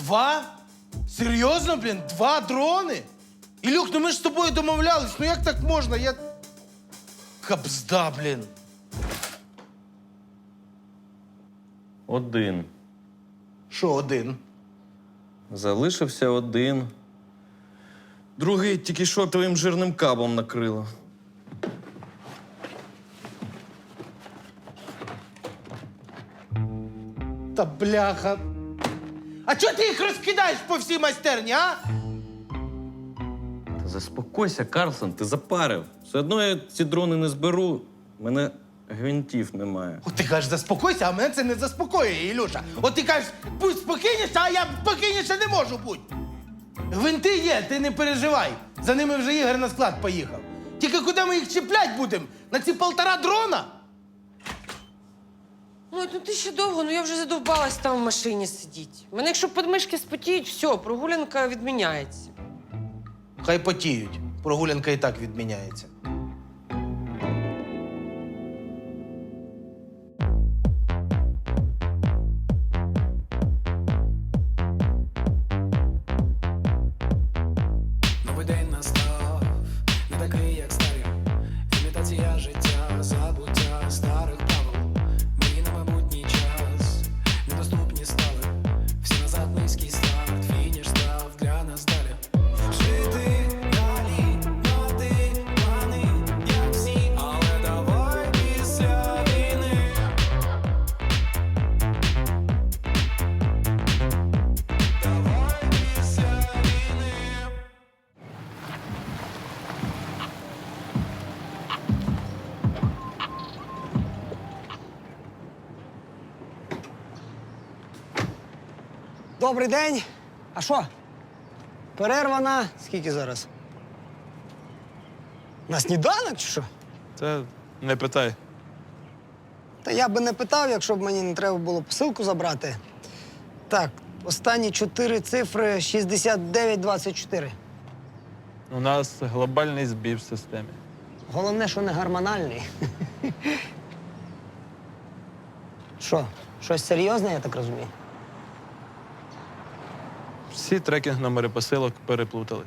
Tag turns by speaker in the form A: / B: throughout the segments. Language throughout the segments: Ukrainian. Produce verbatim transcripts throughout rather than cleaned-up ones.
A: Два? Серйозно, блін? Два дрони? Ілюх, ну ми ж з тобою домовлялись. Ну як так можна? Я... Кабзда, блін.
B: Один.
A: Що один?
B: Залишився один. Другий тільки що твоїм жирним кабом накрило.
A: Та бляха. А чого ти їх розкидаєш по всій майстерні, а?
B: Та заспокойся, Карлсон, ти запарив. Все одно я ці дрони не зберу. У мене гвинтів немає.
A: От ти кажеш, заспокойся, а мене це не заспокоює, Ілюша. От ти кажеш, будь спокійніше, а я спокійніше не можу бути. Гвинти є, ти не переживай. За ними вже Ігор на склад поїхав. Тільки куди ми їх чіплять будемо? На ці полтора дрона?
C: Ой, ну ти ще довго, ну я вже задовбалась там в машині сидіти. У мене якщо подмишки спотіють, все, прогулянка відміняється.
A: Хай потіють. Прогулянка і так відміняється.
D: Новий день настав, не такий, як старі. Імітація життя, забуття старих правил. Мені на майбутній час недоступні стали. Всі назад низький старт, фініш став для нас далі. Жити далі, мати плани, як всі, але давай після війни. Давай після війни.
E: Добрий день. А що? Перерва на скільки зараз? На сніданок чи що?
F: Це не питай.
E: Та я би не питав, якщо б мені не треба було посилку забрати. Так, останні чотири цифри шістдесят дев'ять двадцять чотири.
F: У нас глобальний збій в системі.
E: Головне, що не гормональний. Що, щось серйозне, я так розумію?
F: Всі трекінг-номери посилок переплутались.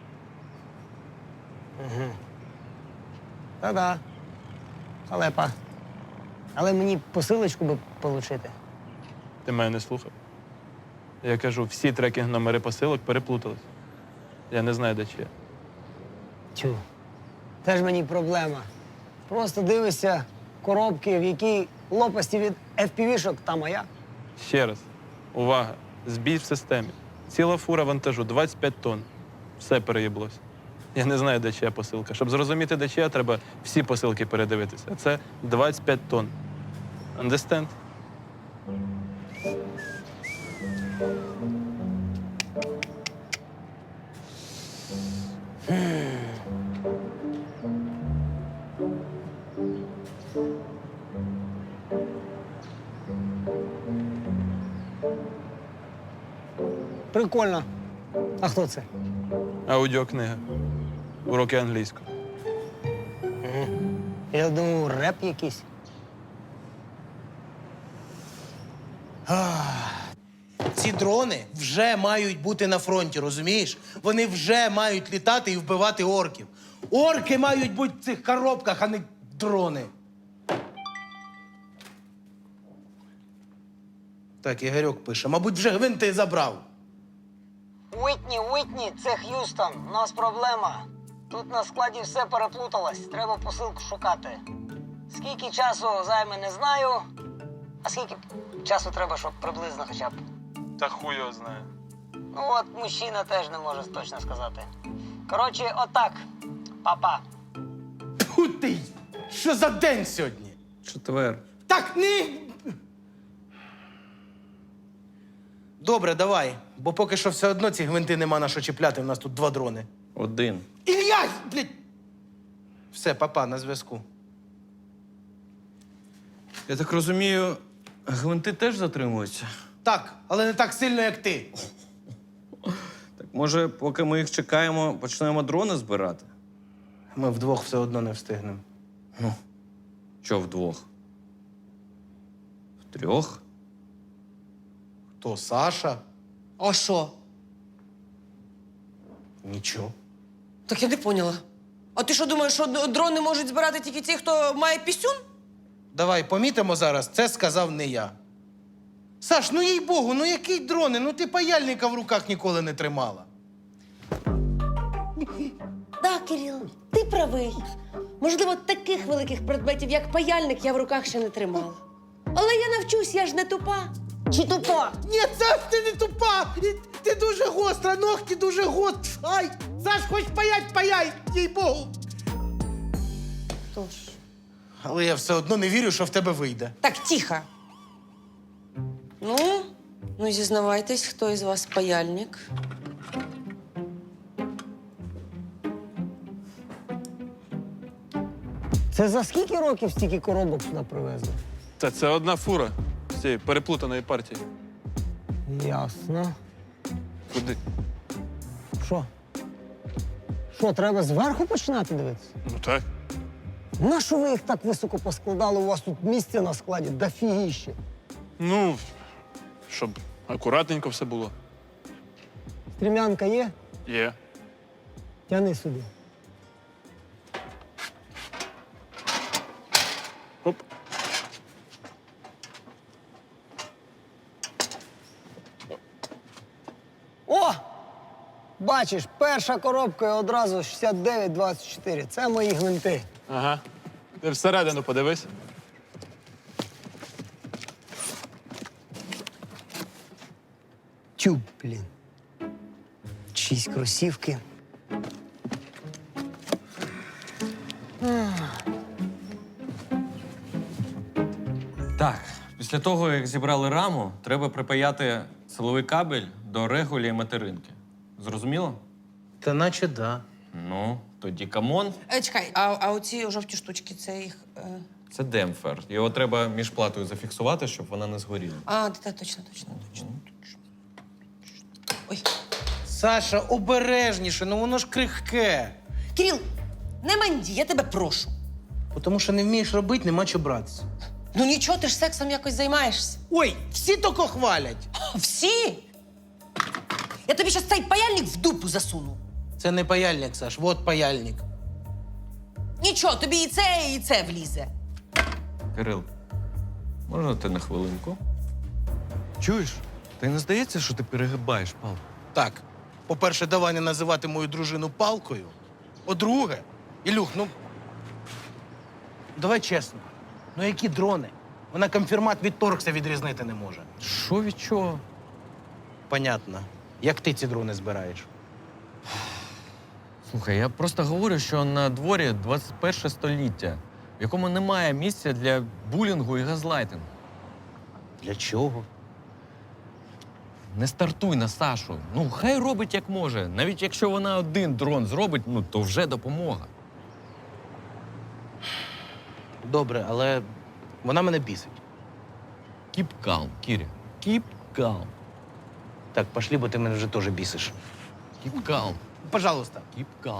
E: Та-да. Халепа. Але мені посилочку би отримати.
F: Ти мене не слухав. Я кажу, всі трекінг-номери посилок переплутались. Я не знаю, де чия.
E: Тю. Теж мені проблема. Просто дивишся коробки, в якій лопасті від еф пі ві-шок, та моя.
F: Ще раз. Увага. Збій в системі. Ціла фура вантажу, двадцять п'ять тонн. Все переїблося. Я не знаю, де чия посилка. Щоб зрозуміти, де чия, треба всі посилки передивитися. А це двадцять п'ять тонн. Understand?
E: Прикольно. А хто це?
F: Аудіокнига. Уроки англійської.
E: Я думав, реп якийсь.
A: Ці дрони вже мають бути на фронті, розумієш? Вони вже мають літати і вбивати орків. Орки мають бути в цих коробках, а не дрони. Так, Ігорьок пише. Мабуть, вже гвинти забрав.
E: Уітні, Уітні, це Х'юстон. У нас проблема. Тут на складі все переплуталось. Треба посилку шукати. Скільки часу займе, не знаю. А скільки часу треба, щоб приблизно хоча б?
F: Та хуй його знає.
E: Ну от, мужчина теж не може точно сказати. Коротше, отак. Папа.
A: Тьфу ти! Що за день сьогодні?
B: Четвер.
A: Так, не... Добре, давай. Бо поки що все одно ці гвинти нема на що чіпляти. У нас тут два дрони.
B: Один.
A: Ілля! Блядь! Все, папа, на зв'язку.
B: Я так розумію, гвинти теж затримуються?
A: Так, але не так сильно, як ти.
B: Так може, поки ми їх чекаємо, почнемо дрони збирати?
A: Ми вдвох все одно не встигнемо.
B: Що вдвох? Втрьох?
A: Хто, Саша?
C: А що?
A: Нічого.
C: Так я не поняла. А ти що думаєш, що д- дрони можуть збирати тільки ті, хто має пісюн?
A: Давай помітимо зараз, це сказав не я. Саш, ну їй Богу, ну який дрони? Ну ти паяльника в руках ніколи не тримала.
C: Так, Кирил, ти правий. Можливо, таких великих предметів, як паяльник, я в руках ще не тримала. Але я навчусь, я ж не тупа. Чи тупа?
A: Ні, Саш, ти не тупа! Ти дуже гостра, ногті дуже гострі. Ай! Саш, хоч паять, паяй, їй Богу.
C: Тож.
A: Але я все одно не вірю, що в тебе вийде.
C: Так, тихо. Ну, ну зізнавайтесь, хто із вас паяльник?
G: Це за скільки років стільки коробок сюди привезли?
F: Та це одна фура з цієї переплутаної партії.
G: Ясно.
F: Куди?
G: Що? Що, треба зверху починати дивитися?
F: Ну так.
G: Нащо ви їх так високо поскладали? У вас тут місця на складі дофігіще.
F: Ну, щоб акуратненько все було.
G: Стрімянка є?
F: Є.
G: Тяни сюди.
F: Оп.
G: О! Бачиш, перша коробка і одразу шістдесят дев'ять двадцять чотири. Це мої гвинти.
F: Ага. Ти всередину подивись.
G: Тюб, блін. Чиїсь кросівки.
B: Так, після того, як зібрали раму, треба припаяти силовий кабель до регулі і материнки. Зрозуміло?
A: Та наче да.
B: Ну, тоді камон.
C: Е, чекай, а, а оці жовті штучки, це їх. Е...
B: Це демпфер. Його треба між платою зафіксувати, щоб вона не згоріла.
C: А, та, точно, точно, точно. Ой.
A: Саша, обережніше, ну воно ж крихке.
C: Кирил, не манді, я тебе прошу.
A: Тому що не вмієш робити, нема чого братися.
C: Ну нічого, ти ж сексом якось займаєшся.
A: Ой, всі тільки хвалять.
C: Всі? Я тобі щас цей паяльник в дупу засуну.
A: Це не паяльник, Саш, от паяльник.
C: Нічого, тобі і це, і це влізе.
B: Кирил, можна ти на хвилинку?
H: Чуєш? Ти не здається, що ти перегибаєш, Пал?
A: Так, по-перше, давай не називати мою дружину палкою. По-друге, Ілюх, ну. Давай чесно. Ну які дрони? Вона конфірмат від торкса відрізнити не може.
B: Що від чого?
A: Понятно. Як ти ці дрони збираєш?
B: Слухай, я просто говорю, що на дворі двадцять перше століття, в якому немає місця для булінгу і газлайтингу.
A: Для чого?
B: Не стартуй на Сашу. Ну, хай робить як може. Навіть якщо вона один дрон зробить, ну то вже допомога.
A: Добре, але вона мене бісить.
B: Keep calm, Кіря. Keep calm.
A: Так, пошлі, бо ти мене вже теж бісиш.
B: Keep calm.
A: Пожалуйста.
B: Keep calm.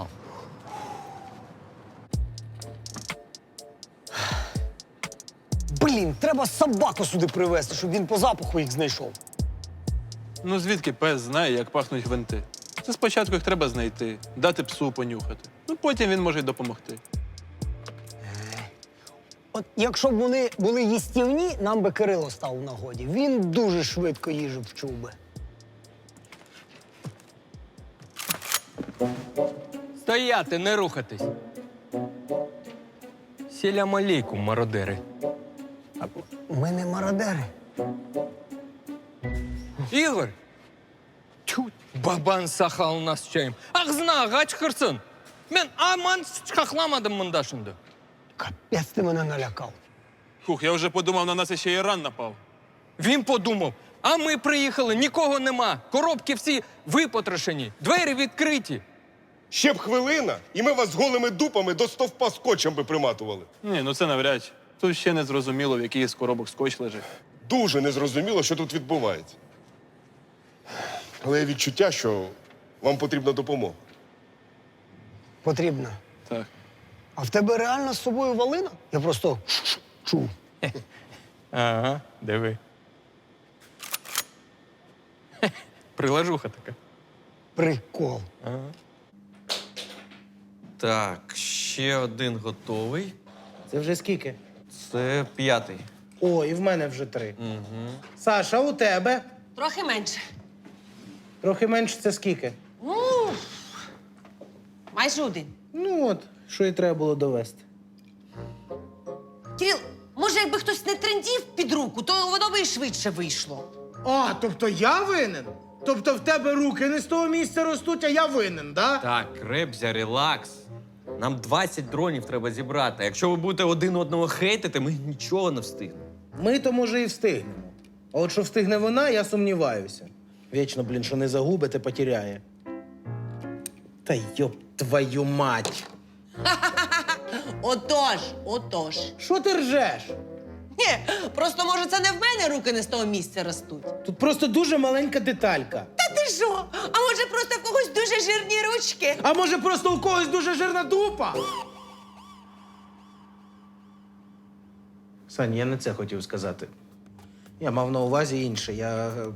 G: Блін, треба собаку сюди привезти, щоб він по запаху їх знайшов.
F: Ну звідки пес знає, як пахнуть гвинти? Це спочатку їх треба знайти, дати псу понюхати. Ну потім він може й допомогти.
G: От якщо б вони були їстівні, нам би Кирило став в нагоді. Він дуже швидко їжу вчув би.
I: Стояти, не рухатись. Сілям алейкум, мародери.
G: Ми не мародери.
I: Ігор! Тю, бабан саха у нас чаєм. Ах, зна, гач херсон. Мен аман хахламадам мандашинду.
G: Капець ти мене налякав.
F: Хух, я вже подумав, на нас ще Іран напав.
I: Він подумав, а ми приїхали, нікого нема. Коробки всі випотрошені, двері відкриті.
J: Ще б хвилина, і ми вас голими дупами до стовпа скотчем би приматували.
F: Ні, ну це навряд чи. Тут ще не зрозуміло, в який з коробок скотч лежить.
J: Дуже незрозуміло, що тут відбувається. Але є відчуття, що вам потрібна допомога.
G: Потрібно.
F: Так.
G: А в тебе реально з собою валина? Я просто чув.
I: Ага, диви.
F: Прилажуха така.
G: Прикол.
F: Ага.
B: Так, ще один готовий.
A: Це вже скільки?
B: Це п'ятий.
A: О, і в мене вже три.
B: Угу.
A: Саша, у тебе?
C: Трохи менше.
A: Трохи менше це скільки?
C: Ну, майже один.
A: Ну от, що і треба було довести.
C: Кирил, може, якби хтось не трендів під руку, то воно би і швидше вийшло.
A: А, тобто я винен? Тобто в тебе руки не з того місця ростуть, а я винен, да?
B: Так, Ребзя, релакс. Нам двадцять дронів треба зібрати. Якщо ви будете один одного хейтити, ми нічого не встигнемо.
A: Ми то, може, і встигнемо. А от що встигне вона, я сумніваюся. Вічно, блін, що не загубите, потеряє. Та йоп твою мать!
C: Отож, отож.
A: Що ти ржеш?
C: Ні, просто, може, це не в мене руки не з того місця ростуть.
A: Тут просто дуже маленька деталька.
C: Та ти що? А може, просто в когось дуже жирні ручки?
A: А може, просто у когось дуже жирна дупа? Сань, я не це хотів сказати. Я мав на увазі інше. Я. е,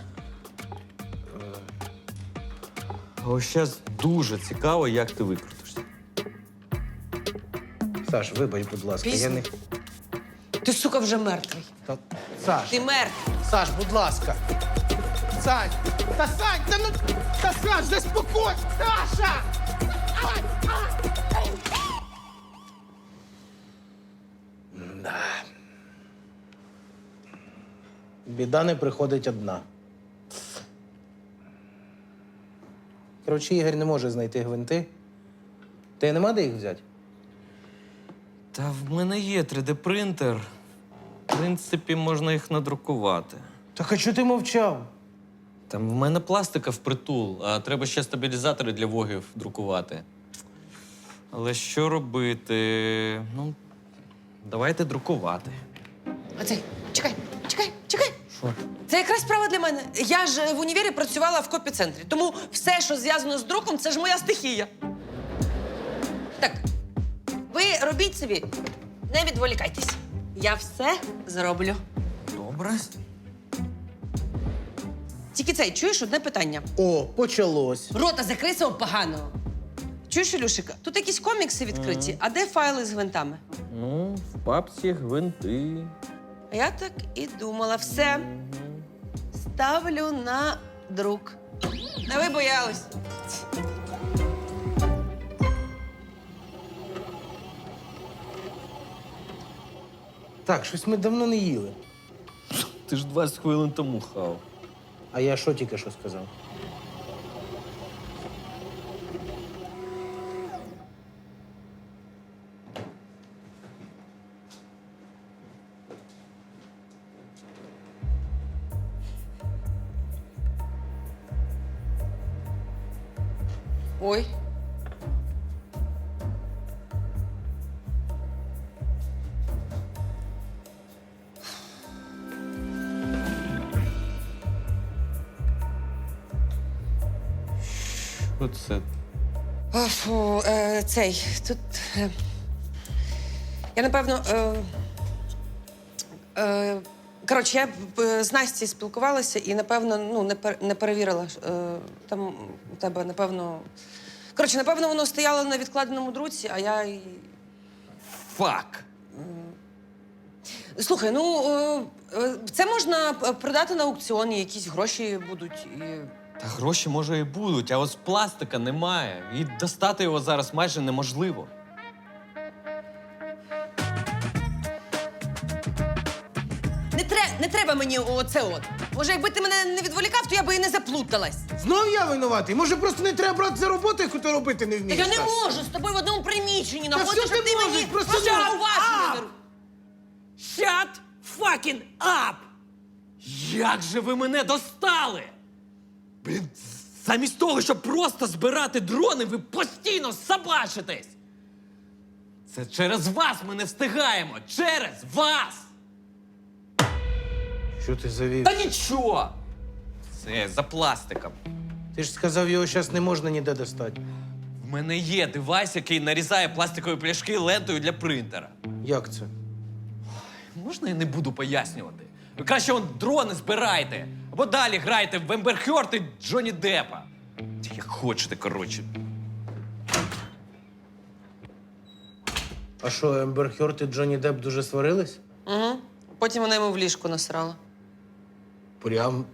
B: А ось зараз дуже цікаво, як ти викрутишся.
A: Саш, вибач, будь ласка, я
C: Пісню?
A: не.
C: Ти, сука, вже мертвий.
A: Та... Саш,
C: Ти мертвий.
A: Саш, будь ласка. Сань! Та Сань, та ну. Та Саш, заспокойся! Саша! Ай, ай, ай. Да. Біда не приходить одна. Коротше, Ігор не може знайти гвинти. Ти нема де їх взяти?
B: Та в мене є три де-принтер. В принципі, можна їх надрукувати.
A: Так а чого ти мовчав?
B: Там в мене пластика впритул, а треба ще стабілізатори для вогів друкувати. Але що робити? Ну, давайте друкувати.
C: А цей, чекай, чекай, чекай.
B: Що?
C: Це якраз справа для мене. Я ж в універі працювала в копіцентрі, тому все, що зв'язано з друком, це ж моя стихія. Так, ви робіть собі, не відволікайтесь. Я все зроблю.
B: Добре.
C: Тільки цей, чуєш, одне питання.
A: О, почалось.
C: Рота закрий свого поганого. Чуєш, Ілюшика, тут якісь комікси відкриті, а де файли з гвинтами?
B: Ну, в папці гвинти.
C: А я так і думала. Все. Ставлю на друк. Не ви боялись.
A: Так, щось ми давно не їли.
B: Ти ж двадцять хвилин тому хав.
A: А я що тільки що сказав?
C: Ой.
B: Оце.
C: О, фу, е, цей, тут. Е, я, напевно. Е, е, коротше, я е, з Настю спілкувалася і, напевно, ну, не, пер, не перевірила. Е, там у тебе, напевно. Коротше, напевно, воно стояло на відкладеному друці, а я й.
B: Фак!
C: Слухай, ну е, е, це можна продати на аукціоні, якісь гроші будуть. І...
B: Та гроші, може, і будуть, а ось пластика немає. І достати його зараз майже неможливо.
C: Не, тре, не треба мені оце от. Може, якби ти мене не відволікав, то я би і не заплуталась.
A: Знов я винуватий? Може, просто не треба брати за роботу, яку ти робити не
C: Та
A: вмієш?
C: я не
A: Саш?
C: можу з тобою в одному приміщенні
A: Та
C: находити,
A: що
C: щоб
A: ти
C: ти
A: можеш?
C: мені
A: Просто
C: просто
A: ну,
C: уважно
A: а!
C: не ру-
B: Shut fucking up! Як же ви мене достали? Блін, замість того, щоб просто збирати дрони, ви постійно собачитесь! Це через вас ми не встигаємо! Через вас!
A: Що ти завів?
B: Та нічого! Це за пластиком.
A: Ти ж сказав, його зараз не можна ніде достати.
B: В мене є девайс, який нарізає пластикові пляшки лентою для принтера.
A: Як це?
B: Можна я не буду пояснювати? Ви краще он дрони збирайте, Або далі грайте в Ембер Хьорд і Джонні Деппа. Як хочете, коротше.
A: А що, Ембер Хьорд і Джонні Депп дуже сварились?
C: Угу. Потім вона йому в ліжку насрала.
A: Прям.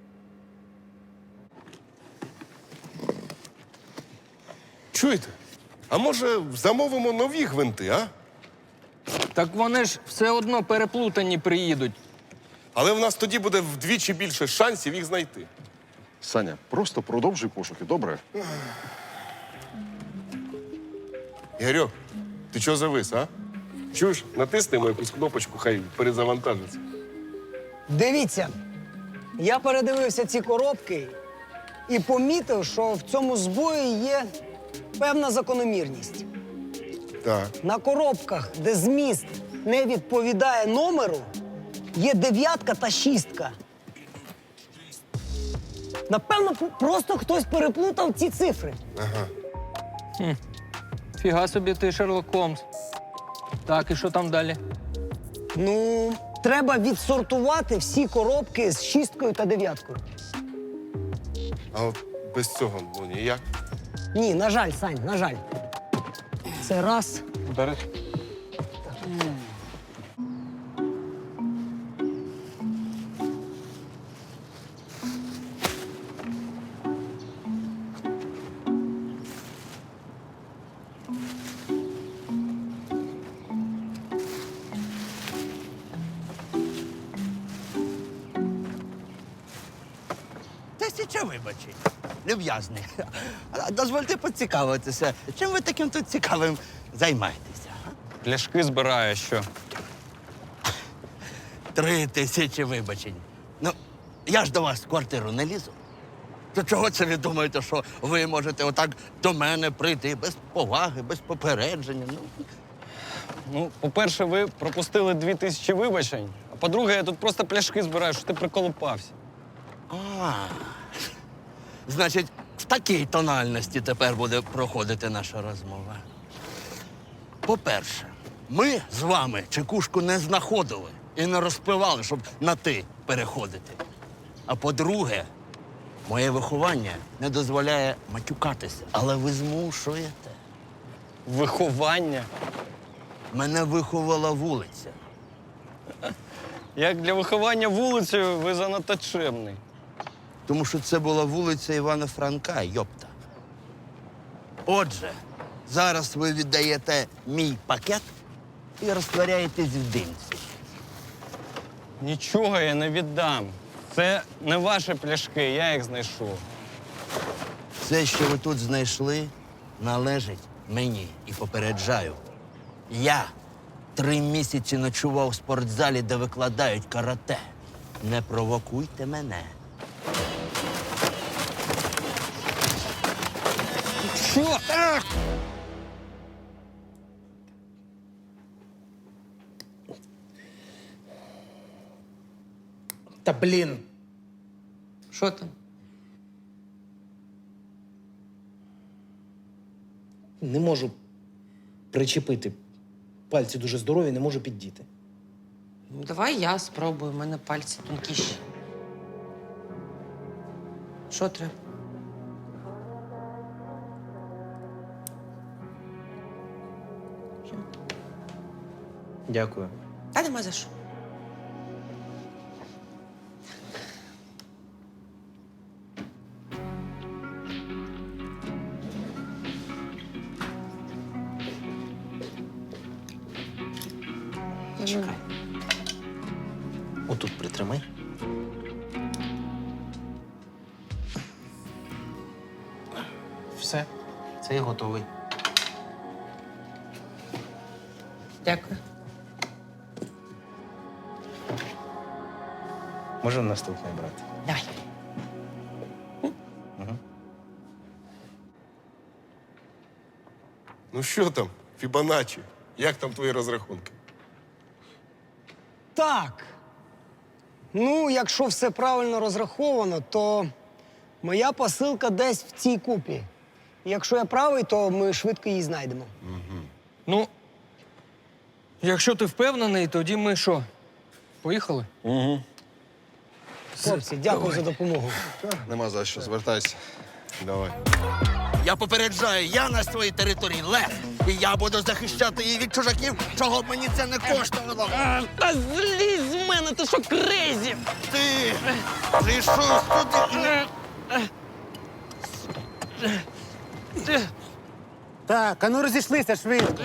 J: Чуєте? А може замовимо нові гвинти, а?
I: Так вони ж все одно переплутані приїдуть.
J: Але в нас тоді буде вдвічі більше шансів їх знайти.
K: Саня, просто продовжуй пошуки, добре?
J: Ігорьок, ти чого завис, а? Чуєш, натиснемо якусь кнопочку, хай перезавантажиться.
G: Дивіться, я передивився ці коробки і помітив, що в цьому збої є певна закономірність.
J: Так.
G: На коробках, де зміст не відповідає номеру, є дев'ятка та шістка. Напевно, п- просто хтось переплутав ці цифри.
I: Фіга собі ти, Шерлок Холмс. Так, і що там далі?
G: Ну, треба відсортувати всі коробки з шісткою та дев'яткою.
J: А от без цього ну ніяк.
G: Ні, на жаль, Сань, на жаль. Це раз.
F: Бери.
L: Тисяча вибачень. Люб'язний. А дозвольте поцікавитися, чим ви таким тут цікавим займаєтеся? а?
I: Пляшки збираю, що?
L: Три тисячі вибачень. Ну, я ж до вас в квартиру не лізу. То чого це ви думаєте, що ви можете отак до мене прийти без поваги, без попередження? Ну,
I: Ну, по-перше, ви пропустили дві тисячі вибачень, а по-друге, я тут просто пляшки збираю, що ти приколупався.
L: а, значить, в такій тональності тепер буде проходити наша розмова. По-перше, ми з вами чекушку не знаходили і не розпивали, щоб на ти переходити. А по-друге, моє виховання не дозволяє матюкатися, але ви змушуєте.
I: Виховання.
L: Мене виховала вулиця.
I: Як для виховання вулицею, ви занадто чемний.
L: Тому що це була вулиця Івана Франка, йопта. Отже, зараз ви віддаєте мій пакет і розтворяєтесь в димці.
I: Нічого я не віддам. Це не ваші пляшки, я їх знайшов.
L: Все, що ви тут знайшли, належить мені. І попереджаю. Я три місяці ночував в спортзалі, де викладають карате. Не провокуйте мене.
I: Що?
A: Та блін.
C: Що там?
A: Не можу причепити. Пальці дуже здорові, не можу піддіти.
C: Ну, давай я спробую, у мене пальці тонкіші. Що треба?
A: Дякую.
C: Та нема за що.
A: Чекай. Отут притримай. Все, це я готовий.
C: Дякую.
A: Можемо наступний брати.
C: Давай.
J: Ну що там, Фібоначчі? Як там твої розрахунки?
G: Так. Ну, якщо все правильно розраховано, то моя посилка десь в цій купі. І якщо я правий, то ми швидко її знайдемо.
I: Ну, якщо ти впевнений, тоді ми що? Поїхали?
K: Угу.
G: Хлопці, дякую за допомогу.
K: Нема за що, звертайся. Давай.
L: Я попереджаю, я на своїй території лев. І я буду захищати її від чужаків, чого б мені це не коштувало.
B: Та злізь з мене, ти що крейзі?
L: Ти прийшов сюди.
A: Так, а ну розійшлися швидко.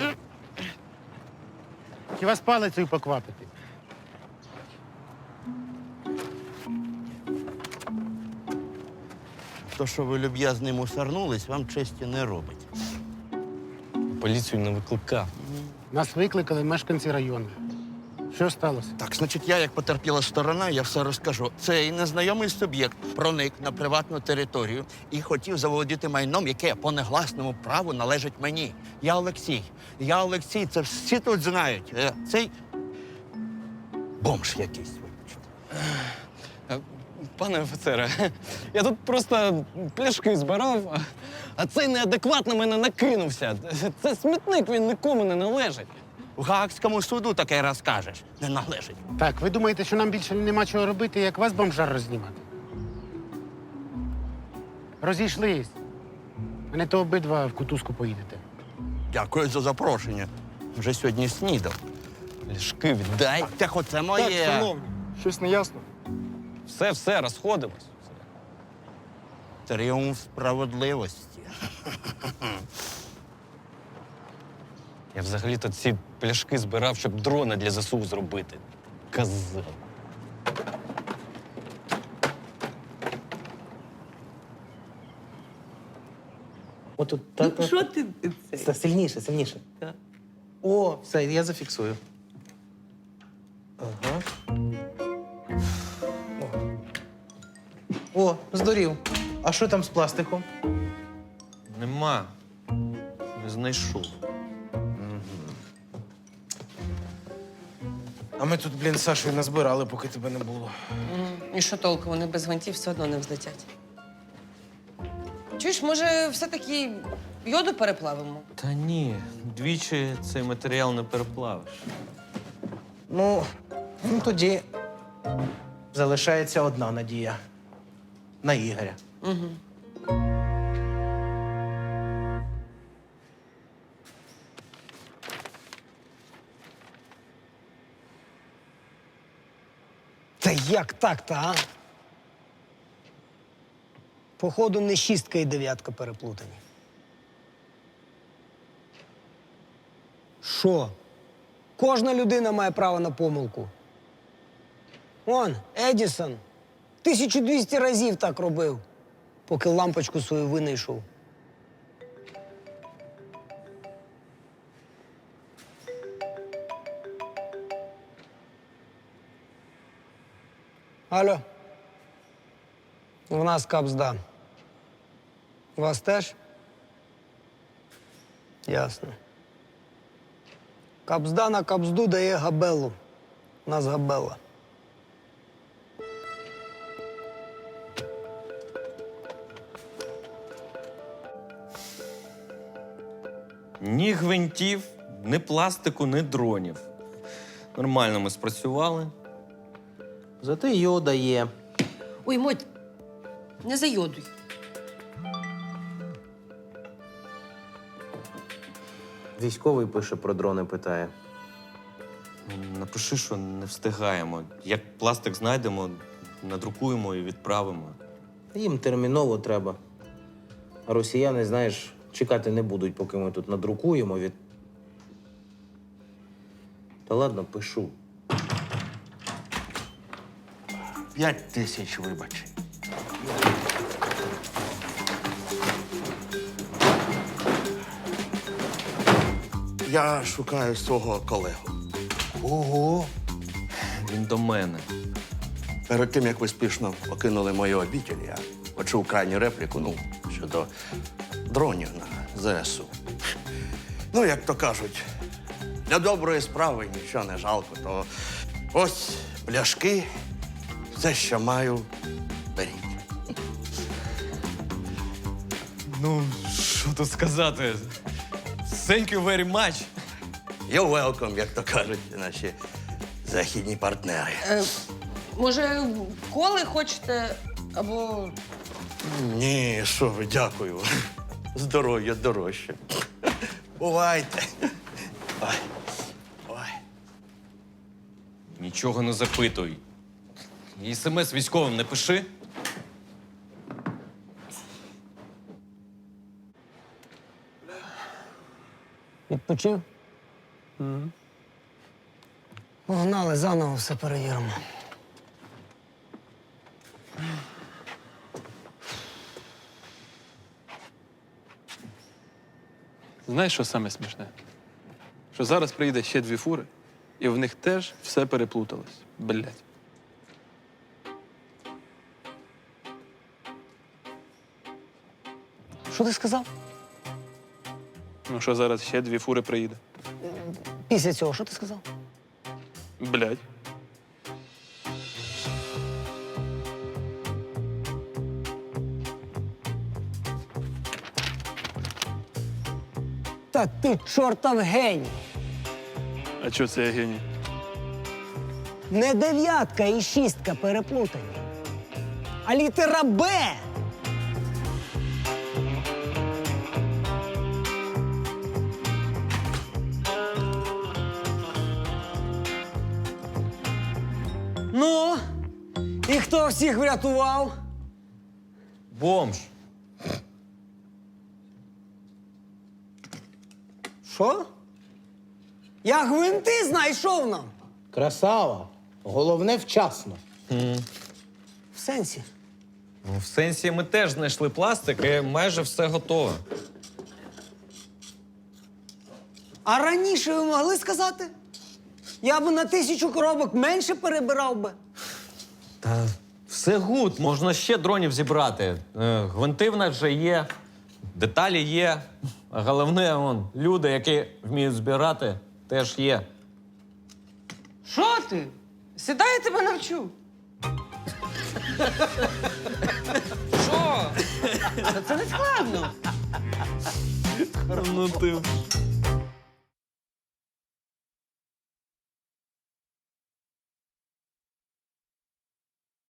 A: Чи вас палицею поквапити?
L: То, що ви люб'язний мусорнулись, вам честі не робить.
I: Поліцію не викликав.
A: Нас викликали мешканці району. Що сталося?
L: Так, значить, я, як потерпіла сторона, я все розкажу. Цей незнайомий суб'єкт проник на приватну територію і хотів заволодіти майном, яке по негласному праву належить мені. Я Олексій. Я Олексій, це всі тут знають. Е, Цей бомж якийсь.
I: Пане офіцере, я тут просто пляшки збирав, а- а цей неадекват на мене накинувся. Це смітник, він нікому не належить.
L: В Гаагському суду таке розкажеш. Не належить.
A: Так, ви думаєте, що нам більше нема чого робити, як вас бомжар рознімати? Розійшлись. А не то обидва в кутузку поїдете.
L: Дякую за запрошення. Вже сьогодні снідав.
I: Пляшки віддай.
L: Так, оце моє.
K: Щось не ясно?
I: Все, все, розходимось.
L: Тріумф справедливості.
I: Я взагалі-то ці пляшки збирав, щоб дрона для ЗСУ зробити. Козел.
A: Отут так. Що ти? Це сильніше, сильніше. О, все, я зафіксую. Ага. О, О, здурів. А що там з пластиком?
I: Нема. Не знайшов.
A: А ми тут, блін, з Сашою назбирали, поки тебе не було.
C: І що толку? Вони без гвинтів все одно не взлетять. Чуєш, може, все-таки йоду переплавимо?
I: Та ні, двічі цей матеріал не переплавиш.
A: Ну, ну тоді залишається одна надія. На Ігоря.
C: Угу.
G: Та як так-то, а? Походу, не шістка і дев'ятка переплутані. Що? Кожна людина має право на помилку. Он, Едісон, тисячу двісті разів так робив, поки лампочку свою винайшов. Алло. В нас капзда. У вас теж? Ясно. Капзда на капзду дає габелу. У нас габела.
I: Ні гвинтів, ні пластику, ні дронів. Нормально ми спрацювали.
A: Зате йода є.
C: Ой, Моть, не зайодуй.
A: Військовий пише про дрони, питає.
I: Напиши, що не встигаємо. Як пластик знайдемо, надрукуємо і відправимо.
A: Їм терміново треба. А росіяни, знаєш, чекати не будуть, поки ми тут надрукуємо від. Та ладно, пишу.
L: П'ять тисяч вибачень. Я шукаю свого колегу.
A: Ого!
I: Він до мене.
L: Перед тим, як ви спішно покинули мою обітель, я почув крайню репліку, ну, щодо дронів на ЗСУ. Ну, як то кажуть, для доброї справи нічого не жалко, то ось пляшки, все, що маю, беріть.
I: Ну, що тут сказати? Thank you very much.
L: You're welcome, як то кажуть наші західні партнери.
C: Е, Може, коли хочете, або.
L: Ні, що ви, дякую. Здоров'я дорожче. Бувайте. Ой. Ой.
I: Нічого не запитуй. І смс військовим не пиши.
G: Відпочив? Погнали, заново все перевіримо.
F: Знаєш, що саме смішне? Що зараз приїде ще дві фури, і в них теж все переплуталось. Блять.
G: Що ти сказав?
F: Ну що зараз ще дві фури приїде?
G: Після цього, що ти сказав?
F: Блять.
G: Та ти чортов геній!
F: А чого це я геній?
G: Не дев'ятка і шістка переплутані, а літера Б. Ну, і хто всіх врятував?
I: Бомж.
G: Що? Я гвинти знайшов нам.
A: Красава. Головне вчасно.
G: В сенсі.
I: Ну, в сенсі ми теж знайшли пластик і майже все готове.
G: А раніше ви могли сказати? Я б на тисячу коробок менше перебирав би.
I: Та все гуд, можна ще дронів зібрати. Е, Гвинти в нас вже є, деталі є. А головне, вон, люди, які вміють збирати, теж є.
C: Що ти? Сідай, я тебе навчу. Що? Та це не складно.
I: Ну ти.